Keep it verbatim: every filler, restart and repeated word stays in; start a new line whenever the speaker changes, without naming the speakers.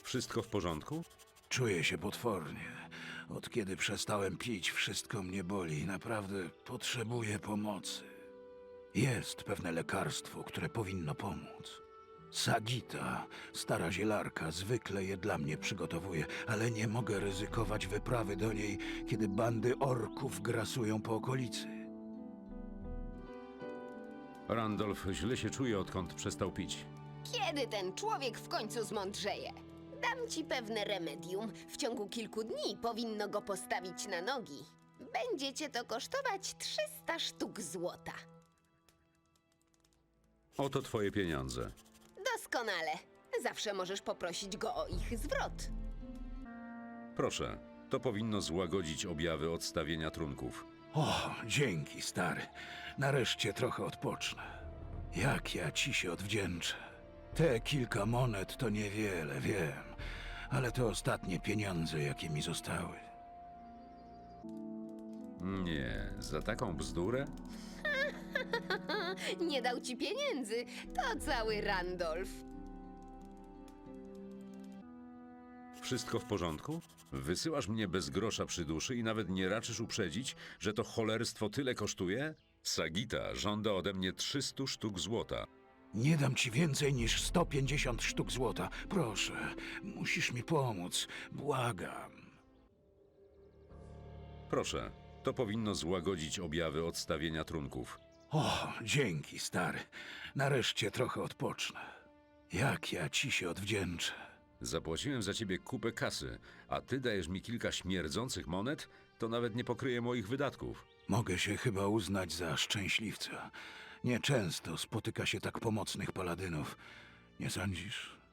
Wszystko w porządku?
Czuję się potwornie. Od kiedy przestałem pić, wszystko mnie boli. Naprawdę potrzebuję pomocy. Jest pewne lekarstwo, które powinno pomóc. Sagita, stara zielarka, zwykle je dla mnie przygotowuje, ale nie mogę ryzykować wyprawy do niej, kiedy bandy orków grasują po okolicy.
Randolph źle się czuje, odkąd przestał pić.
Kiedy ten człowiek w końcu zmądrzeje? Dam ci pewne remedium. W ciągu kilku dni powinno go postawić na nogi. Będzie cię to kosztować trzysta sztuk złota.
Oto twoje pieniądze.
Doskonale. Zawsze możesz poprosić go o ich zwrot.
Proszę, to powinno złagodzić objawy odstawienia trunków.
O, dzięki, stary. Nareszcie trochę odpocznę. Jak ja ci się odwdzięczę. Te kilka monet to niewiele, wiem, ale to ostatnie pieniądze, jakie mi zostały.
Nie, za taką bzdurę?
Nie dał ci pieniędzy. To cały Randolph.
Wszystko w porządku? Wysyłasz mnie bez grosza przy duszy i nawet nie raczysz uprzedzić, że to cholerstwo tyle kosztuje? Sagita żąda ode mnie trzysta sztuk złota.
Nie dam ci więcej niż sto pięćdziesiąt sztuk złota. Proszę, musisz mi pomóc. Błagam.
Proszę, to powinno złagodzić objawy odstawienia trunków.
O, dzięki, stary. Nareszcie trochę odpocznę. Jak ja ci się odwdzięczę.
Zapłaciłem za ciebie kupę kasy, a ty dajesz mi kilka śmierdzących monet, to nawet nie pokryje moich wydatków.
Mogę się chyba uznać za szczęśliwca. Nieczęsto spotyka się tak pomocnych paladynów. Nie sądzisz?